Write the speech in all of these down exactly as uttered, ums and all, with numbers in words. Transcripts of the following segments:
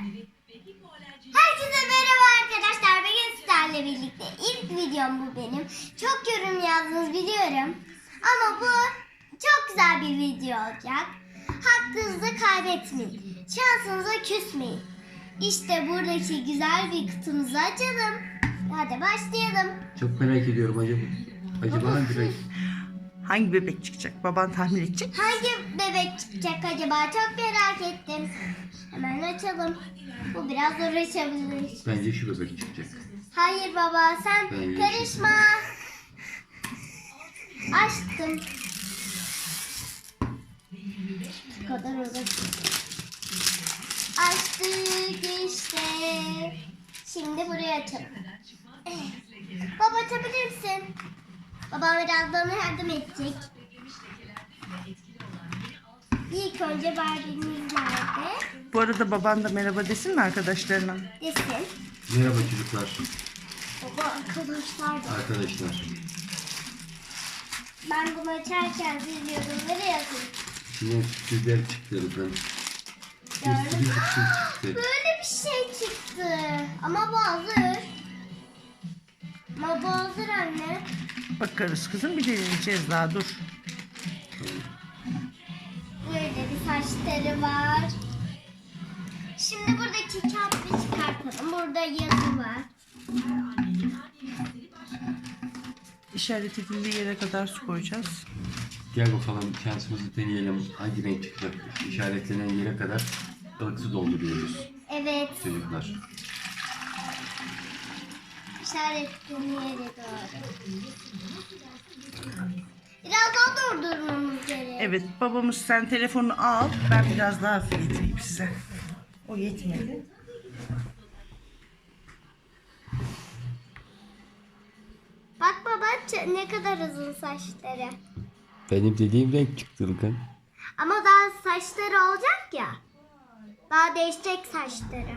Herkese merhaba arkadaşlar. Bugün sizlerle birlikte ilk videom bu benim. Çok yorum yazdınız biliyorum. Ama bu çok güzel bir video olacak. Hakkınızı kaybetmeyin. Şansınıza küsmeyin. İşte buradaki güzel bir kutumuzu açalım. Hadi başlayalım. Çok merak ediyorum acaba. Acaba hangi renk? Hangi bebek çıkacak? Baban tahmin edecek. Hangi bebek çıkacak acaba? Çok merak ettim. Hemen açalım. Bu biraz uğraşabilir. Bence şu bebek çıkacak. Hayır baba sen Ben karışma. Açtım. Bu kadar uğraştım. Açtık işte. Şimdi burayı açalım. Baba açabilir misin? Babam biraz bana yardım edecek. İlk önce Barbie'miz nerede? Bu arada baban da merhaba desin mi arkadaşlarına? Desin. Merhaba çocuklar, Baba arkadaşlar da. arkadaşlar. Ben bunu açarken siz yorumları yazın. Şimdi sürprizler çıktı buradan. Bir sürü sürpriz çıktı. Böyle bir şey çıktı. Ama bu hazır. Ama bu hazır anne. Bakarız kızım, bir deneyeceğiz daha, dur. Böyle bir saçları var. Şimdi buradaki kağıtları çıkartalım. Burada yazı var. İşaret edildiği yere kadar su koyacağız. Gel bakalım şansımızı deneyelim. Hangi renk çıkacak? İşaretlenen yere kadar ılık su dolduruyoruz Evet. çocuklar. İşaretli yere doğru. Biraz daha durdurmamız gerek. Evet, babamız sen telefonu al, ben biraz daha hafif getireyim size. O yetmedi. Bak baba ç- ne kadar uzun saçları. Benim dediğim renk çıktı Ilkan. Ama daha saçları olacak ya. Daha değişecek saçları.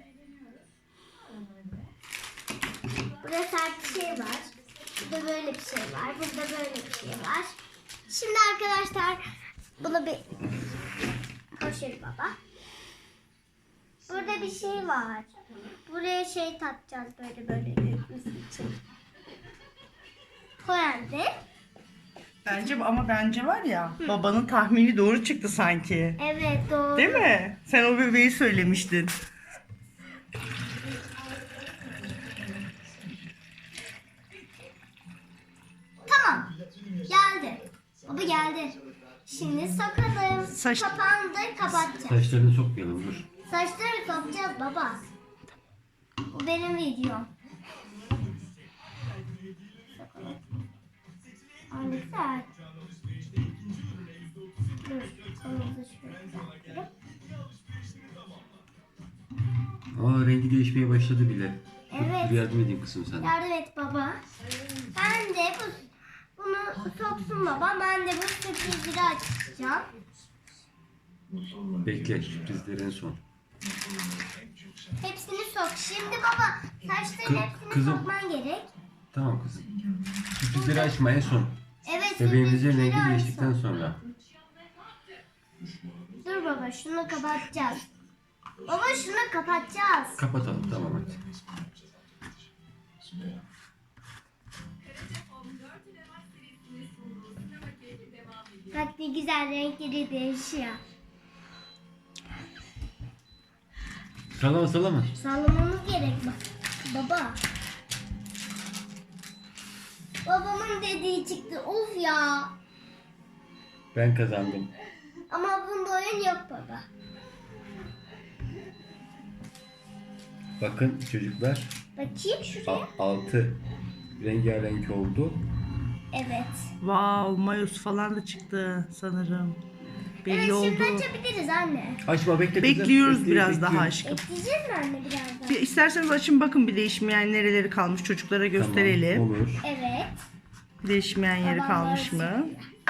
Burada sert bir şey var. Burada böyle bir şey var. Burada böyle bir şey var. Şimdi arkadaşlar bunu bir koşur baba. Burada bir şey var. Buraya şey takacağız böyle böyle dökmesi için. Koyalım. Bence ama bence var ya, babanın tahmini doğru çıktı sanki. Evet doğru. Değil mi? Sen o bebeği söylemiştin. Tamam. Geldi. Baba geldi. Şimdi sokalım. Saç- Kapandı kapatacağız. Saçlarını sokmayalım dur. Saçları sokacağız baba. Bu benim videom. Sokalım. Aa, ne güzel. Dur. Kolumuzu şöyle bırakıyorum. Aa rengi değişmeye başladı bile. Evet. Dur yardım edeyim kızım sana. Yardım et baba. Ben de bu, bunu soksun baba. Ben de bu sürprizleri açacağım. Bekle sürprizlerin son. Hepsini sok. Şimdi baba saçların Kı- hepsini kızım. sokman gerek. Tamam kızım. Sürprizleri açma en son. Evet. Bebeğimizin sürprizleri rengi açsın. değiştikten sonra. Dur baba şunu kapatacağız. Baba şunu kapatacağız. Kapatalım tamam hadi. Bak ne güzel renkleri değişiyor. Sallama sallama. Sallamamız gerek bak. Baba. Babamın dediği çıktı. Of ya. Ben kazandım. Ama bunda oyun yok baba. Bakın çocuklar. Bakayım şuraya. A- altı rengarenk oldu. Evet. Wow, mayos falan da çıktı sanırım. Belli Evet oldu. şimdi açabiliriz anne. Açma bekle kızım. Bekliyoruz Bekle, biraz bekliyorum. daha aşkım. Bekleyeceğiz mi anne biraz daha? Bir, isterseniz açın bakın, bir değişmeyen nereleri kalmış çocuklara gösterelim. Tamam, olur. Evet. Değişmeyen yeri Babam kalmış böyle mı?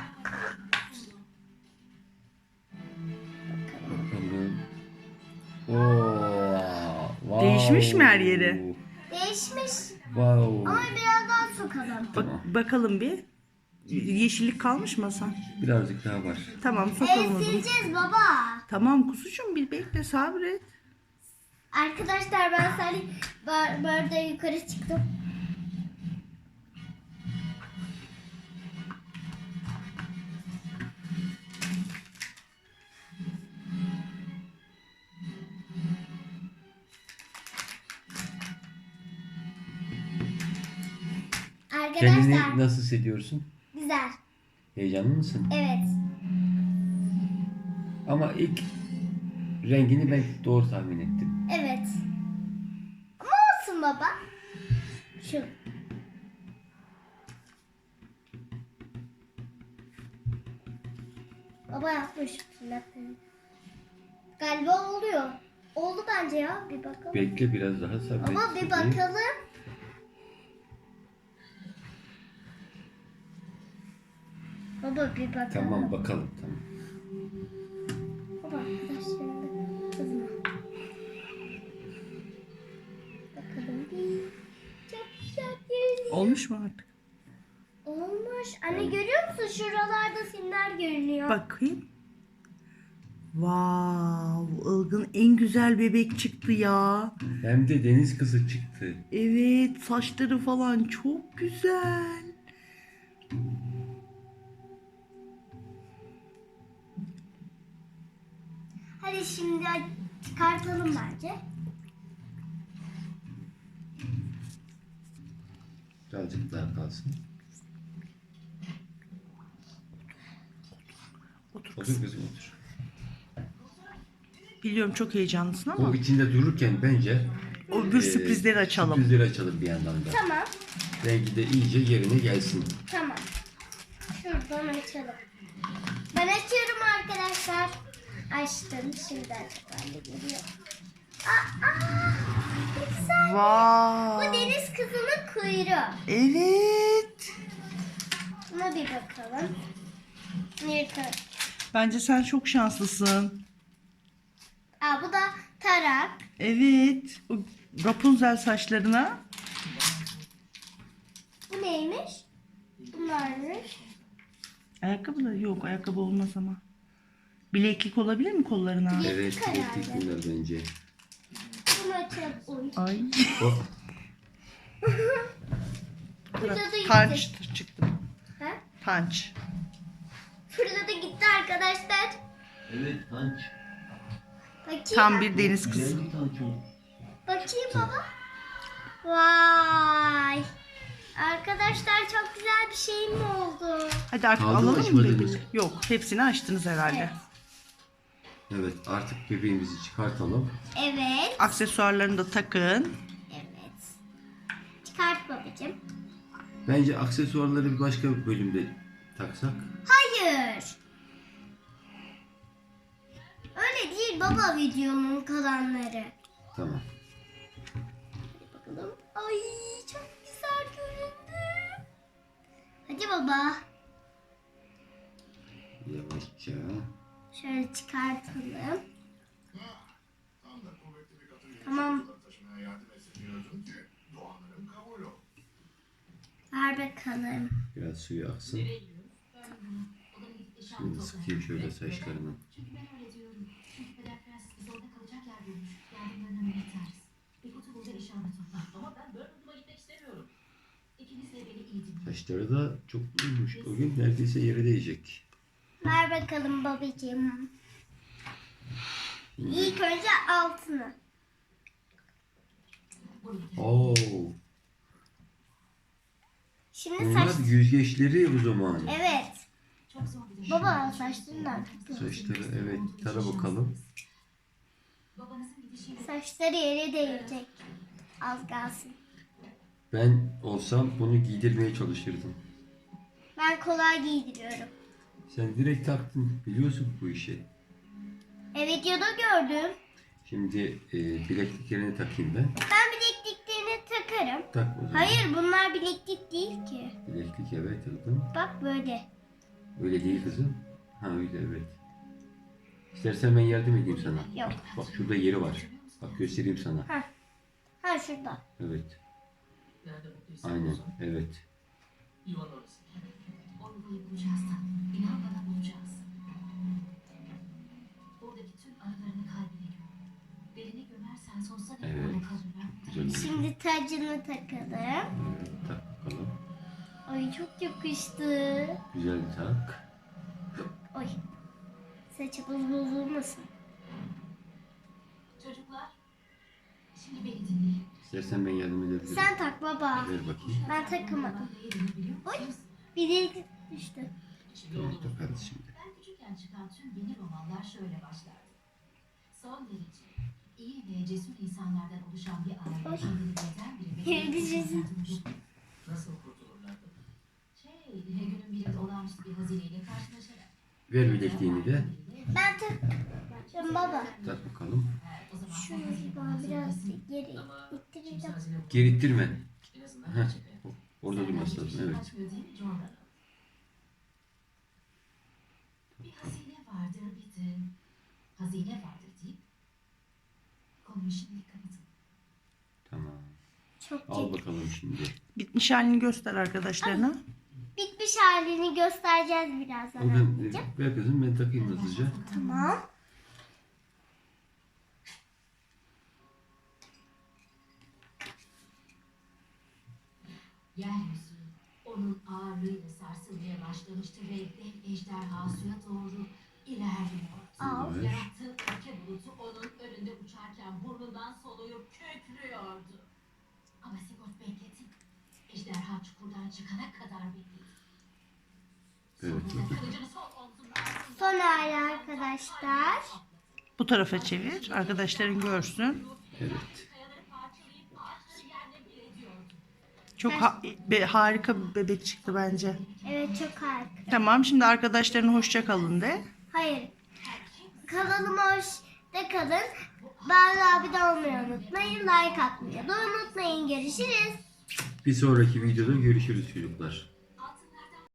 Bakalım. Oo, wow. Değişmiş mi her yeri? Değişmiş. Wow. Ama biraz daha sokalım. Bak, bakalım bir. Yeşillik kalmış mı Hasan? Birazcık daha var. Tamam, Evet sokalım o zaman. sileceğiz baba. Tamam kuzucuğum, bir bekle, sabret. Arkadaşlar ben sadece bar, barda yukarı çıktım. Kendini Arkadaşlar nasıl hissediyorsun? güzel. Heyecanlı mısın? Evet. Ama ilk rengini ben doğru tahmin ettim. Evet. Ama olsun baba. Şu. Baba yapmış tırnaklarını. Galiba oluyor. Oldu bence ya. Bir bakalım. Bekle biraz daha sabret. Ama bir bakalım. Baba bir bakalım. Tamam bakalım tamam. Baba arkadaşlarım kızma. Bakalım bir. Çok güzel görünüyor. Olmuş mu artık? Olmuş. Anne görüyor musun? Şuralarda simler görünüyor. Bakayım. Wow, Ilgın en güzel bebek çıktı ya. Hem de deniz kızı çıktı. Evet, saçları falan çok güzel. Hadi şimdi çıkartalım bence. Birazcık daha kalsın. Otur Otur kızım. kızım otur. Biliyorum çok heyecanlısın ama O içinde dururken bence o bir e, sürprizleri açalım. Sürprizleri açalım bir yandan da. Tamam. Rengi de iyice yerine gelsin. Tamam. Şuradan açalım. Ben açıyorum arkadaşlar. Açtım. Şimdi açıklarla geliyor. Aa, aa, güzel. Bu Wow. deniz kızının kuyruğu. Evet. Buna bir bakalım. Yırtın. Bence sen çok şanslısın. Aa, bu da tarak. Evet. O Rapunzel saçlarına. Bu neymiş? Bunlarmış. Ayakkabı da yok. Ayakkabı olmaz ama. Bileklik olabilir mi kollarına? Bileklik Evet, herhalde. bileklik bunlar bence. Bunu açalım. Oy. Ay. O, Burada da gitti. Punch çıktı. Ha? Punch. Burada da gitti arkadaşlar. evet, tanç. Bakayım. Tam bir deniz kızı. Güzel bir tanç o. Bakayım baba. Vay. Arkadaşlar çok güzel bir şey mi oldu? Hadi artık Kaldı mı, alalım mı açmadınız? bebeği? Yok. Hepsini açtınız herhalde. Evet. Evet, artık bebeğimizi çıkartalım. Evet. Aksesuarlarını da takın. Evet. Çıkart babacığım. Bence aksesuarları bir başka bir bölümde taksak. Hayır. Öyle değil baba videonun kalanları. Tamam. Hadi bakalım. Ay çok güzel göründü. Hadi baba. Yavaşça. Şöyle çıkartalım. Tamam. Ver bakalım. Biraz suyu aksın. Şimdi sıkayım şöyle saçlarını. Saçları da çok uyumuş. O gün neredeyse yere değecek. Ver bakalım babacığım. İlk önce altını. Oo. Şimdi Bunlar saç... yüzgeçleri o zaman. Evet. Baba saçlarından çok güzel. Saçları evet. Tara bakalım. Saçları yere değecek. Az kalsın. Ben olsam bunu giydirmeye çalışırdım. Ben kolay giydiriyorum. Sen direkt taktın. Biliyorsun bu işi. E videoda gördüm. Şimdi e, bilekliklerini takayım ben. Ben bilekliklerini takarım. Tak o zaman. Hayır bunlar bileklik değil ki. Bileklik evet aldım. Bak böyle. Öyle değil kızım. Ha öyle evet. İstersen ben yardım edeyim sana. Yok. Bak şurada yeri var. Bak göstereyim sana. Ha. Ha şurada. Evet. Aynen evet. Onu bulacağız. İnan bana bulacağız. Oradaki tüm aralarını kalbine göm. Belini gömersen sonsuza dek Evet. orada kalırlar. Güzel oldu. Şimdi tacını takalım. Evet, tak bakalım. Ay çok yakıştı. Güzel tak. Oy. Saçımız bozulmasın. Çocuklar, şimdi beni dinleyin. İstersen ben yardım edebilirim. Sen tak baba. Ver bakayım. Ben takamadım. Neye dönebiliyor Oy. musunuz? Bir delik düştü. Evet, takarız şimdi. Ben küçükken çıkan tüm yeni romanlar şöyle başlardı. Son derece iyi ve cesur insanlardan oluşan bir aile Oy. kendini birden Yeri bire düşürsün. Nasıl kurtulurlardı? Şey, günün birinde olağanüstü bir hazineyle karşılaşarak. Ver bilekliğini de. Ben tak. Şimdi baba. Tak bakalım. O zaman Şunu bana biraz geri ittireceğim. Geri ittirme. en azından Heh. Orada durması lazım. Evet. kaçmıyor değil mi Jordan? Bir hazine vardır bir de hazine vardır deyip konuyu şimdi kapatın. Tamam. Çok Al iyi. bakalım şimdi. Bitmiş halini göster arkadaşlarına. Bitmiş halini göstereceğiz birazdan. O ben, anneciğim. ver kızım ben takayım hızlıca. Tamam. Yeryüzü onun ağırlığıyla sarsılmaya başlamıştı ve dev ejderha suya doğru ilerliyordu. Al. Evet. Yarattığı ülke bulutu onun önünde uçarken burnundan soluyup kükrüyordu. Ama Sigurd bekledi. Ejderha çukurdan çıkana kadar bekledi. Evet. Sonunda kılıcını sol omzunun altında Son hali arkadaşlar. Bu tarafa çevir. Arkadaşların görsün. Evet. kayaları parçalayıp ağaçları yerle bir ediyordu. Çok ha- be- harika bir bebek çıktı bence. Evet çok harika. Tamam, şimdi arkadaşlarına hoşça kalın de. Hayır. Kanalıma hoş da kalın. Bana abone olmayı unutmayın. Like atmayı da unutmayın. Görüşürüz. Bir sonraki videoda görüşürüz çocuklar.